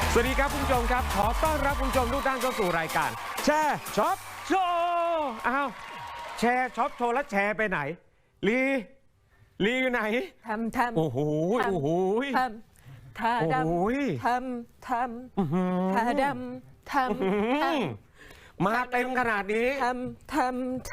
สวัสดีครับคุณผู้ชมครับขอต้อนรับคุณผู้ชมทุกท่านเข้าสู่รายการแชร์ช็อปโชว์อ้าวแชร์ช็อปโชว์แล้วแชร์ไปไหนลีอยู่ไหนทำโอ้โหโอ้โหทำทาดำทำทาดำทำมาเต็มขนาดนี้ทำ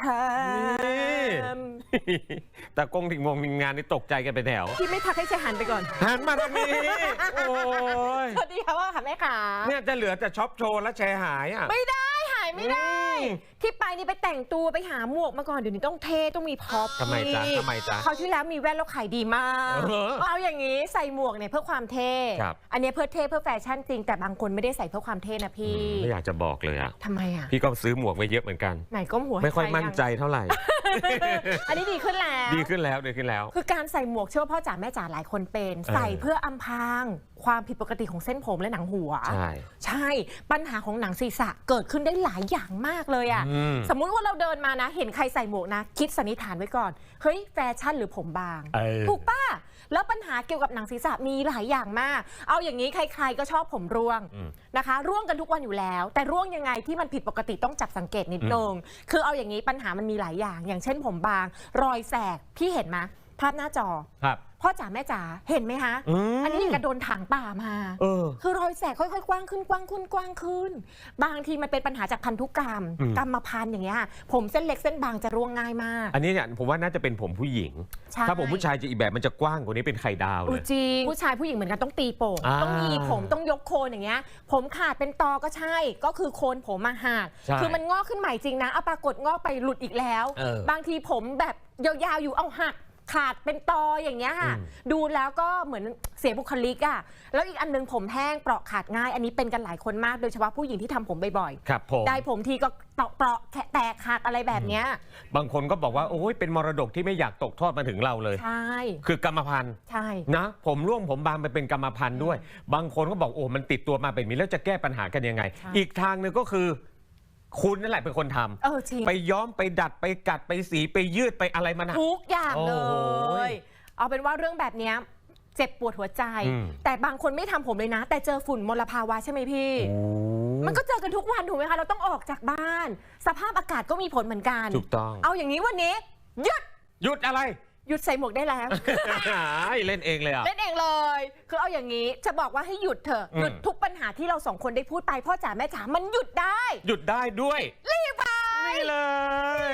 แต่กงถึงวงงานนี่ตกใจกันไปแถวพี่ไม่ทักให้เชหันไปก่อนหันมาทางนี้โอ้ยสวัสดีค่ะว่าค่ะแม่ขาเนี่ยจะเหลือแต่ช็อปโชว์แล้วแชร์หายอ่ะไม่ได้หายไม่ได้ที่ไปนี่ไปแต่งตัวไปหาหมวกมาก่อนเดี๋ยวนี้ต้องเท่ต้องมีพ็อปทำไมจ๊ะเขาที่แล้วมีแว่นแล้วขายดีมากเอาอย่างนี้ใส่หมวกเนี่ยเพื่อความเท่อันนี้เพื่อเท่เพื่อแฟชั่นจริงแต่บางคนไม่ได้ใส่เพื่อความเท่นะพี่ไม่อยากจะบอกเลยอะทำไมอะพี่ก็ซื้อหมวกไว้เยอะเหมือนกันไหนก้มหัวไม่ค่อยมั่นใจเท่าไหร่อันนี้ดีขึ้นแล้วคือการใส่หมวกเชื่อว่าพ่อจ๋าแม่จ๋าหลายคนเป็นใส่เพื่ออำพรางความผิดปกติของเส้นผมและหนังหัวใช่ปัญหาของหนังศีรษะเกิดขึ้นได้หลายอย่างมากเลยอะสมมุติว่าเราเดินมานะเห็นใครใส่หมวกนะคิดสันนิษฐานไว้ก่อนเฮ้ยแฟชั่นหรือผมบางถูกป่ะแล้วปัญหาเกี่ยวกับหนังศีรษะมีหลายอย่างมากเอาอย่างนี้ใครๆก็ชอบผมร่วงนะคะร่วงกันทุกวันอยู่แล้วแต่ร่วงยังไงที่มันผิดปกติต้องจับสังเกตนิดนึงคือเอาอย่างนี้ปัญหามันมีหลายอย่างอย่างเช่นผมบางรอยแสกพี่เห็นไหมภาพหน้าจอพ่อจ๋าแม่จ๋าเห็นไหมคะอันนี้กระโดนถังป่ามาคือรอยแสกค่อยๆกว้างขึ้นบางทีมันเป็นปัญหาจากพันธุกรรมกรรมพันธุ์อย่างเงี้ยผมเส้นเล็กเส้นบางจะร่วงง่ายมากอันนี้เนี่ยผมว่าน่าจะเป็นผมผู้หญิงถ้าผมผู้ชายจะอีกแบบมันจะกว้างกว่านี้เป็นไข่ดาวเลยจริงผู้ชายผู้หญิงเหมือนกันต้องตีโป่งต้องมีผมต้องยกโคนอย่างเงี้ยผมขาดเป็นตอก็ใช่ก็คือโคนผมมาหักคือมันงอกขึ้นใหม่จริงนะเอาปรากฏงอกไปหลุดอีกแล้วบางทีผมแบบยาวๆอยู่เอาหักขาดเป็นตออย่างเงี้ยค่ะดูแล้วก็เหมือนเสียบุคลิกอ่ะแล้วอีกอันนึงผมแห้งเปราะขาดง่ายอันนี้เป็นกันหลายคนมากโดยเฉพาะผู้หญิงที่ทำผมบ่อยๆครับผมได้ผมทีก็เปราะแตกหักอะไรแบบเนี้ยบางคนก็บอกว่าโอ้ยเป็นมรดกที่ไม่อยากตกทอดมาถึงเราเลยใช่คือกรรมพันธุ์ใช่นะผมร่วงผมบางไปเป็นกรรมพันธุ์ด้วยบางคนก็บอกโอ้มันติดตัวมาเป็นนี้แล้วจะแก้ปัญหากันยังไงอีกทางนึงก็คือคุณนั่นแหละเป็นคนทำไปย้อมไปดัดไปกัดไปสีไปยืดไปอะไรมันทุกอย่างเลยเอาเป็นว่าเรื่องแบบนี้เจ็บปวดหัวใจแต่บางคนไม่ทำผมเลยนะแต่เจอฝุ่นมลภาวะใช่ไหมพี่มันก็เจอกันทุกวันถูกไหมคะเราต้องออกจากบ้านสภาพอากาศก็มีผลเหมือนกันถูกต้องเอาอย่างนี้วันนี้หยุดอะไรหยุดใส่หมวกได้แล้วเล่นเองเลยอ่ะเล่นเองเลยคือเอาอย่างนี้จะบอกว่าให้หยุดเถอะหยุดทุกปัญหาที่เราสองคนได้พูดไปพ่อจ๋าแม่จ๋ามันหยุดได้ด้วยรีบไปนี่เลย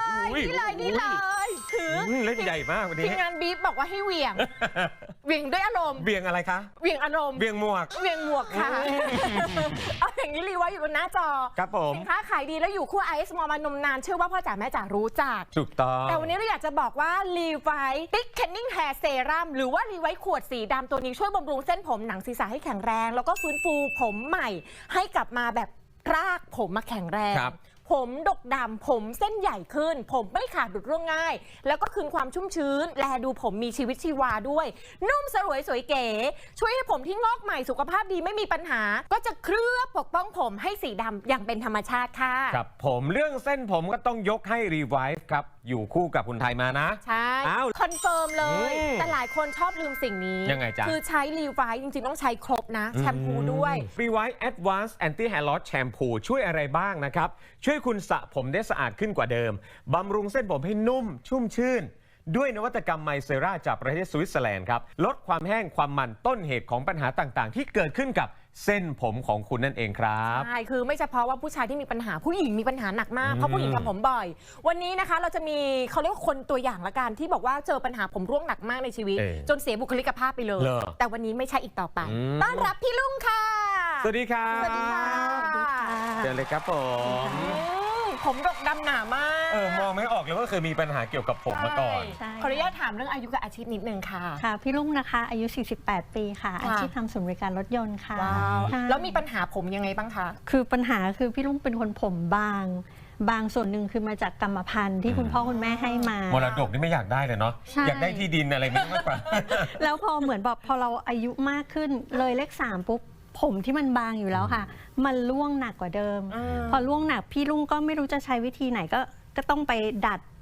ถือเล่นใหญ่มากวันนี้ทีมงานบีฟบอกว่าให้เหวี่ยงด้วยอารมณ์เบี่ยงอะไรคะเหวี่ยงอารมณ์เบี่ยงหมวกค่ะเอาอย่างนี้รีไว้อยู่บนหน้าจอครับผมสินค้าขายดีแล้วอยู่คู่ไอซ์มอมานมนานเชื่อว่าพ่อจ๋าแม่จ๋ารู้จักถูกต้องแต่วันนี้เราอยากจะบอกว่ารีไวท์ติ๊กเคนนิ่งแฮร์เซรั่มหรือว่ารีไวท์ขวดสีดำตัวนี้ช่วยบำรุงเส้นผมหนังศีรษะให้แข็งแรงแล้วก็ฟื้นฟูผมใหม่ให้กลับมาแบบรากผมมาแข็งแรงผมดกดำผมเส้นใหญ่ขึ้นผมไม่ขาดหลุดร่วงง่ายแล้วก็คืนความชุ่มชื้นแลดูผมมีชีวิตชีวาด้วยนุ่มสลวยสวยเก๋ช่วยให้ผมที่งอกใหม่สุขภาพดีไม่มีปัญหาก็จะเคลือบปกป้องผมให้สีดำอย่างเป็นธรรมชาติค่ะครับผมเรื่องเส้นผมก็ต้องยกให้รีไวฟ์ครับอยู่คู่กับคุณไทยมานะใช่คอนเฟิร์มเลยแต่หลายคนชอบลืมสิ่งนี้ยังไงจ๊ะคือใช้รีไวฟ์จริงๆต้องใช้ครบนะแชมพูด้วยรีไวฟ์ Advanced Anti Hair Loss Shampoo ช่วยอะไรบ้างนะครับช่วยคุณสระผมได้สะอาดขึ้นกว่าเดิมบำรุงเส้นผมให้นุ่มชุ่มชื่นด้วยนวัตกรรมไมเซราจากประเทศสวิตเซอร์แลนด์ครับลดความแห้งความมันต้นเหตุของปัญหาต่างๆที่เกิดขึ้นกับเส้นผมของคุณนั่นเองครับใช่คือไม่เฉพาะว่าผู้ชายที่มีปัญหาผู้หญิงมีปัญหาหนักมากเพราะผู้หญิงทำผมบ่อยวันนี้นะคะเราจะมีเขาเรียกว่าคนตัวอย่างละกันที่บอกว่าเจอปัญหาผมร่วงหนักมากในชีวิตจนเสียบุคลิกภาพไปเลยแต่วันนี้ไม่ใช่อีกต่อไปต้อนรับพี่ลุงค่ะสวัสดีครับสวัสดีค่ะเจอเลยครับผมดกดำหนามากมองไม่ออกเลยว่าเคยมีปัญหาเกี่ยวกับผมมาก่อนขออนุญาตถามเรื่องอายุกับอาชีพนิดนึงค่ะค่ะพี่ลุงนะคะอายุ48ปีค่ะอาชีพทำศูนย์บริการรถยนต์ค่ะแล้วมีปัญหาผมยังไงบ้างคะคือปัญหาคือพี่ลุงเป็นคนผมบางส่วนหนึ่งคือมาจากกรรมพันธุ์ที่คุณพ่อคุณแม่ให้มามรดกนี่ไม่อยากได้เลยเนาะอยากได้ที่ดินอะไรมากกว่าแล้วพอเหมือนแบบพอเราอายุมากขึ้นเลยเลข3ปุ๊บผมที่มันบางอยู่แล้วค่ะมันร่วงหนักกว่าเดิมพอร่วงหนักพี่ลุงก็ไม่รู้จะใช้วิธีไหนก็ต้องไปดัด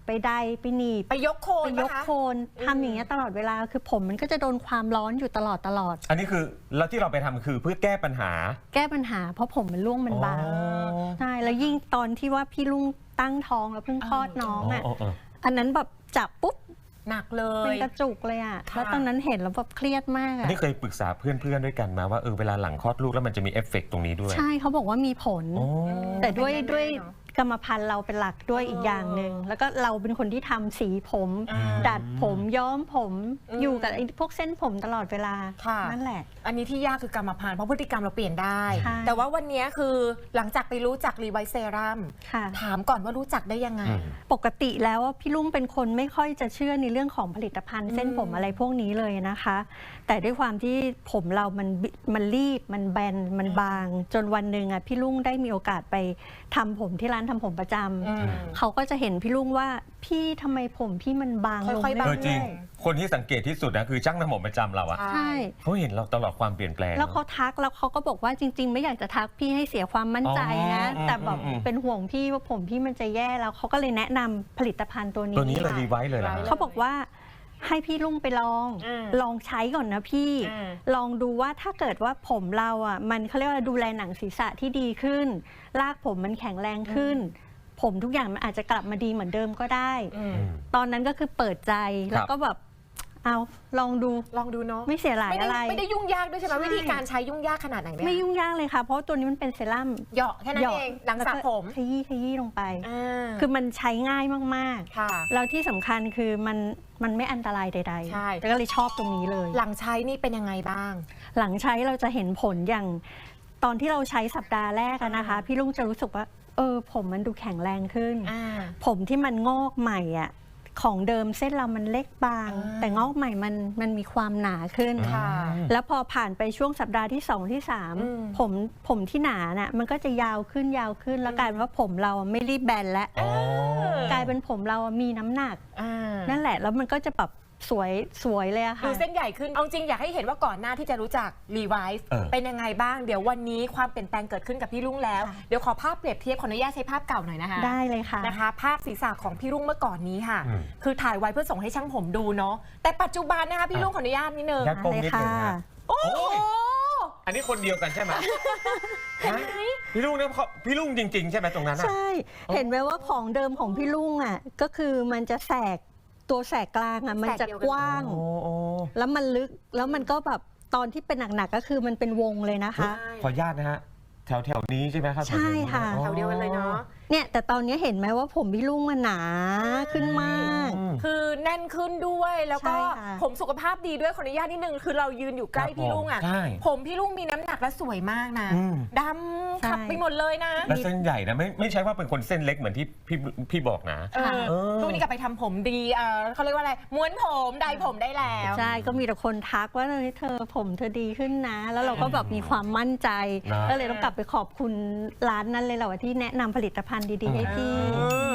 ไปใดไปหนีบไปยกโคนไปยกปะคะโคนทำอย่างเงี้ยตลอดเวลาคือผมมันก็จะโดนความร้อนอยู่ตลอดอันนี้คือแล้วที่เราไปทำคือเพื่อแก้ปัญหาแก้ปัญหาเพราะผมมันร่วงมันบางอ๋อใช่แล้วยิ่งตอนที่ว่าพี่ลุงตั้งท้องแล้วเพิ่งคลอดน้องอ่ะอ๋ออันนั้นแบบจับปุ๊บหนักเลเป็นยกระจุกเลยอ่ะค่ะแล้วตอนนั้นเห็นแล้วแบบเครียดมากอันอ่ะนี้เคยปรึกษาเพื่อนๆด้วยกันมาว่าเวลาหลังคลอดลูกแล้วมันจะมีเอฟเฟกต์ตรงนี้ด้วยใช่เขาบอกว่ามีผลอ๋อแต่ด้วยเป็นแน่ๆด้วยเนอะกรรมพันธุ์เราเป็นหลักด้วยอีกอย่างหนึ่งแล้วก็เราเป็นคนที่ทำสีผมอ่าดัดผมย้อมผมอืมอยู่กับไอ้พวกเส้นผมตลอดเวลาค่ะนั่นแหละอันนี้ที่ยากคือกรรมพันธุ์เพราะพฤติกรรมเราเปลี่ยนได้ใช่แต่ว่าวันนี้คือหลังจากไปรู้จักรีไวท์เซรั่มค่ะถามก่อนว่ารู้จักได้ยังไงอืมปกติแล้วอะพี่ลุงเป็นคนไม่ค่อยจะเชื่อในเรื่องของผลิตภัณฑ์เส้นผมอืมอะไรพวกนี้เลยนะคะ แต่ด้วยความที่ผมเรามันรีบมันแบนมันบาง จนวันหนึ่งอะพี่ลุงได้มีโอกาสไปทำผมที่ร้านทำผมประจำอืมเขาก็จะเห็นพี่ลุงว่าพี่ทำไมผมพี่มันบางลงค่อยๆบางเรื่จริงอยคนที่สังเกตที่สุดนะคือช่างน้ำผมประจำเราอะๆใช่เขาเห็นเราตลอดความเปลี่ยนแปลงแล้วเขาทักแล้วเขาก็บอกว่าจริง ๆ ไม่อยากจะทักพี่ให้เสียความมั่นใจนะอ๋อแต่แบบอืมเป็นห่วงพี่ว่าผมพี่มันจะแย่แล้วเขาก็เลยแนะนำผลิตภัณฑ์ตัวนี้ตัวนี้เลยรีไวท์เลยนะเขาบอกว่าให้พี่ลุงไปลองอืมลองใช้ก่อนนะพี่อืมลองดูว่าถ้าเกิดว่าผมเราอ่ะมันเขาเรียกว่าดูแลหนังศีรษะที่ดีขึ้น รากผมมันแข็งแรงขึ้น ผมทุกอย่างมันอาจจะกลับมาดีเหมือนเดิมก็ได้อืมตอนนั้นก็คือเปิดใจแล้วก็แบบเอาลองดูลองดูเนาะไม่เสียหลายไม่อะไรได้ยุ่งยากด้วยใช่ไหมใช่วิธีการใช้ยุ่งยากขนาดไหนไหมไม่ยุ่งยากเลยค่ะ เพราะตัวนี้มันเป็นเซรั่มเหยาะแค่นั้นเองหลังสระผมขยี้ลงไปอ่าคือมันใช้ง่ายมากค่ะๆ แล้วที่สำคัญคือมันไม่อันตรายใดใช่ๆแต่ก็เลยชอบตรงนี้เลยหลังใช้นี่เป็นยังไงบ้างหลังใช้เราจะเห็นผลอย่างตอนที่เราใช้สัปดาห์แรกอะนะคะ พี่ลุงจะรู้สึกว่าผมมันดูแข็งแรงขึ้นอ่าผมที่มันงอกใหม่อะของเดิมเส้นเรามันเล็กบางอ่าแต่งอกใหม่มันมีความหนาขึ้นค่ะแล้วพอผ่านไปช่วงสัปดาห์ที่ 2 ที่อืม 3 ผมที่หนาน่ะมันก็จะยาวขึ้นแล้วกลายเป็นว่าผมเราไม่รีบแบนแล้วอ๋อกลายเป็นผมเรามีน้ำหนักอ่านั่นแหละแล้วมันก็จะแบบสวยเลยอะดูค่ะเส้นใหญ่ขึ้น เอาจริงอยากให้เห็นว่าก่อนหน้าที่จะรู้จักรีไวซ์เออเป็นยังไงบ้าง เดี๋ยววันนี้ความเปลี่ยนแปลงเกิดขึ้นกับพี่รุ่งแล้วค่ะเดี๋ยวขอภาพเปรียบเทียบขออนุญาตใช้ภาพเก่าหน่อยนะคะได้เลยค่ะนะคะ ภาพศีรษะของพี่รุ่งเมื่อก่อนนี้ค่ะอืมคือถ่ายไว้เพื่อส่งให้ช่างผมดูเนาะ แต่ปัจจุบันนะคะพี่รุ่งขออนุญาตนิดนึงยัดก้มนิดนึงนะโอ้โหอันนี้คนเดียวกันใช่ไหมฮะพี่ลุงเนี่ยพี่ลุงจริง ๆ ใช่ไหมตรงนั้นอะใช่ เห็นไหมว่าของเดิมของพี่ลุงอ่ะก็คือมันจะตัวแสกกลางอ่ะมันจะกว้างโอ้แล้วมันลึกแล้วมันก็แบบตอนที่เป็นหนักๆก็คือมันเป็นวงเลยนะคะขออนุญาตนะฮะแถวนี้ใช่ไหมครับใช่ค่ะแถวเดียวกันเลยเนาะเนี่ยแต่ตอนนี้เห็นไหมว่าผมพี่ลุงมันหนาขึ้นมากคือแน่นขึ้นด้วยแล้วก็ใช่ค่ะผมสุขภาพดีด้วยขออนุญาตนิดนึงคือเรายืนอยู่ใกล้พี่ลุงอ่ะใช่ผมพี่ลุงมีน้ำหนักและสวยมากนะอืมดำขับไปหมดเลยนะและเส้นใหญ่นะไม่ใช่ว่าเป็นคนเส้นเล็กเหมือนที่พี่บอกนะเออเออทุกวันนี้กลับไปทำผมดีเขาเรียกว่าอะไรม้วนผมไดผมได้แล้วใช่ก็มีแต่คนทักว่าเฮ้ยเธอผมเธอดีขึ้นนะ แล้วเราก็แบบมีความมั่นใจนะก็เลยต้องกลับไปขอบคุณร้านนั้นเลยแหละว่าที่แนะนำผลิตภัณฑ์ดีๆให้พี่อืม